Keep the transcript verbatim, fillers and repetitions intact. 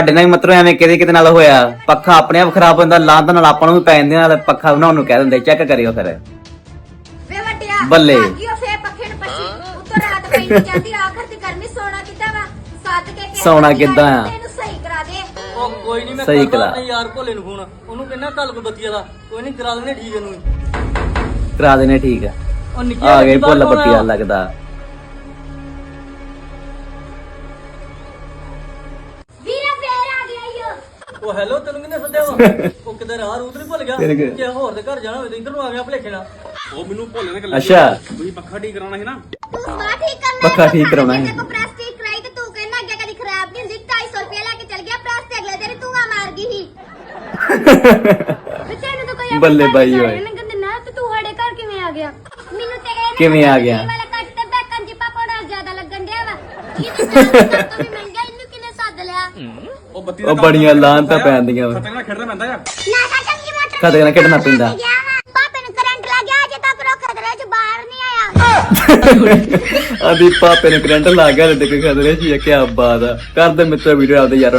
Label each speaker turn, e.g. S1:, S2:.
S1: ਸਾਡੇ ਨਾਲ ਮਤਲਬ ਐਵੇਂ ਕਿਤੇ ਕਿਤੇ ਨਾਲ ਹੋਇਆ ਪੱਖਾ ਆਪਣੇ ਆਪ ਖਰਾਬ ਹੁੰਦਾ ਲਾਂਤ ਨਾਲ ਆਪਾਂ ਨੂੰ ਵੀ ਪੈ ਜਾਂਦੇ ਨਾਲ ਪੱਖਾ ਬਣਾਉਣ ਨੂੰ ਕਹਿ ਦਿੰਦੇ ਚੈੱਕ ਕਰਿਓ ਫਿਰ
S2: ਵੇ ਵੱਟਿਆ
S1: ਬੱਲੇ।
S2: ਆਗਿਓ ਫੇਰ ਪੱਖੇ ਨੂੰ ਪੱਛੀ ਉੱਤੋਂ ਰਾਤ ਪਈ ਨਹੀਂ ਜਾਂਦੀ ਆਖਰ ਤੇ ਗਰਮੀ ਸੌਣਾ ਕਿੱਦਾਂ ਵਾ ਸੱਦ ਕੇ ਕਿਹਾ
S1: ਸੌਣਾ ਕਿੱਦਾਂ ਆ?
S2: ਤੈਨੂੰ ਸਹੀ ਕਰਾ ਦੇ
S3: ਉਹ ਕੋਈ ਨਹੀਂ ਮੈਂ
S1: ਸਹੀ
S3: ਕਰਦਾ
S1: ਕਰਾ।
S3: ਆਪਣੇ ਯਾਰ ਭੋਲੇ ਨੂੰ ਫੋਨ ਉਹਨੂੰ ਕਹਿੰਦਾ ਕੱਲ ਕੋ ਬੱਤੀ ਵਾਲਾ ਕੋਈ ਨਹੀਂ ਕਰਾ ਲੈਣੇ ਠੀਕ ਇਹਨੂੰ
S1: ਕਰਾ ਦੇਣੇ ਠੀਕ ਆ
S3: ਉਹ ਨਿੱਕੀ
S1: ਆ ਗਏ
S3: ਬੱਤੀ ਬਾਹਰ
S1: ਭੁੱਲ
S3: ਕੌਣ
S1: ਪੱਟੀਆਂ
S3: ਆਇਆ?
S1: ਲੱਗਦਾ
S2: ਵੀਰਾ ਫੇਰ ਆ ਗਿਆ ਈਓ
S3: ਉਹ ਹੈਲੋ ਤੈਨੂੰ ਕਿਹਨੇ ਸੱਦਿਆ ਵਾ ਉਹ ਕਿਤੇ ਰਾਹ ਰੂਤ ਨਹੀਂ ਭੁੱਲ ਗਿਆ
S1: ਤੇਰੇ ਕਿ-
S3: ਜੇ ਹੋਰ ਦੇ ਘਰ ਜਾਣਾ ਹੋਵੇ ਤਾਂ ਇੱਧਰ ਨੂੰ ਆ ਗਿਆ ਭਲੇਖੇ ਨਾਲ
S4: ਉਹ ਮੈਨੂੰ ਭੋਲੇ ਨੇ ਗੱਲ
S1: ਅੱਛਾ
S4: ਤੁਸੀਂ ਪੱਖਾ ਠੀਕ ਕਰਾਉਣਾ ਸੀ ਨਾ
S2: ਤੂੰ ਸਵਾ ਠੀਕ ਕਰਨਾ
S1: ਪੱਖਾ ਠੀਕ ਕਰਾਉਣਾ ਹੈ।
S2: ਤੇ ਕੋ ਪ੍ਰੈਸ ਠੀਕ ਕਰਾਈ ਤੇ ਤੂੰ ਕਹਿੰਦਾ ਅੱਗੇ ਕਦੀ ਖਰਾਬ ਨਹੀਂ ਹੁੰਦੀ ਢਾਈ ਸੌ ਰੁਪਏ ਲੈ ਕੇ ਚਲ ਗਿਆ ਪ੍ਰੈਸ ਤੇ ਅਗਲੇ ਦਿਨ ਤੂੰ ਆ ਮਾਰ ਗਈ ਸੀ ਬੱਚੇ ਨੂੰ ਤਾਂ ਕੋਈ
S1: ਬੱਲੇ ਬਾਈ ਓਏ।
S2: ਕਹਿੰਦੇ ਨਾ ਤੇ ਤੂੰ ਸਾਡੇ ਘਰ ਕਿਵੇਂ ਆ ਗਿਆ ਮੈਨੂੰ ਤੇ ਇਹ
S1: ਕਿਵੇਂ ਆ ਗਿਆ?
S2: ਵਾਲਾ ਕੱਟ ਤੇ ਬੈਕਾਂ ਜੀ ਪਾਪਾ ਨਾਲ ਜ਼ਿਆਦਾ ਲੱਗਣ ਡਿਆ ਵਾ ਇਹਦੇ ਨਾਲ ਤੋਂ ਵੀ ਮਹਿੰਗਾ ਇਹਨੂੰ ਕਿਨੇ ਸੱਦ ਲਿਆ
S4: ਉਹ ਬੱਤੀ
S1: ਉਹ ਬੜੀਆਂ ਲਾਹਨਤਾਂ ਪੈਂਦੀਆਂ ਵਾ।
S4: ਖਤਰੇ ਨਾਲ ਖੇਡਣਾ ਪੈਂਦਾ ਯਾਰ
S2: ਨਾ ਤਾਂ ਚੰਗੀ ਮੋਟਰ
S1: ਖਤਰੇ ਨਾਲ ਖੇਡਣਾ ਪੈਂਦਾ।
S2: ਪਾਪੇ ਨੂੰ ਕਰੰਟ ਲੱਗ ਗਿਆ ਅਜੇ ਤੱਕ ਰੋ ਖਤਰੇ ਚ ਬਾਹਰ ਨਹੀਂ ਆਇਆ
S1: ਆਦੀ ਪਾਪੇ ਨੇ ਕਰੰਟ ਲਾ ਗਿਆ ਤੇ ਖਤਰੇ ਚ ਕੀ ਬਾਤ ਆ ਕਰਦੇ ਮਿੱਤਰ ਵੀਡੀਓ ਆਪਦੇ ਯਾਰ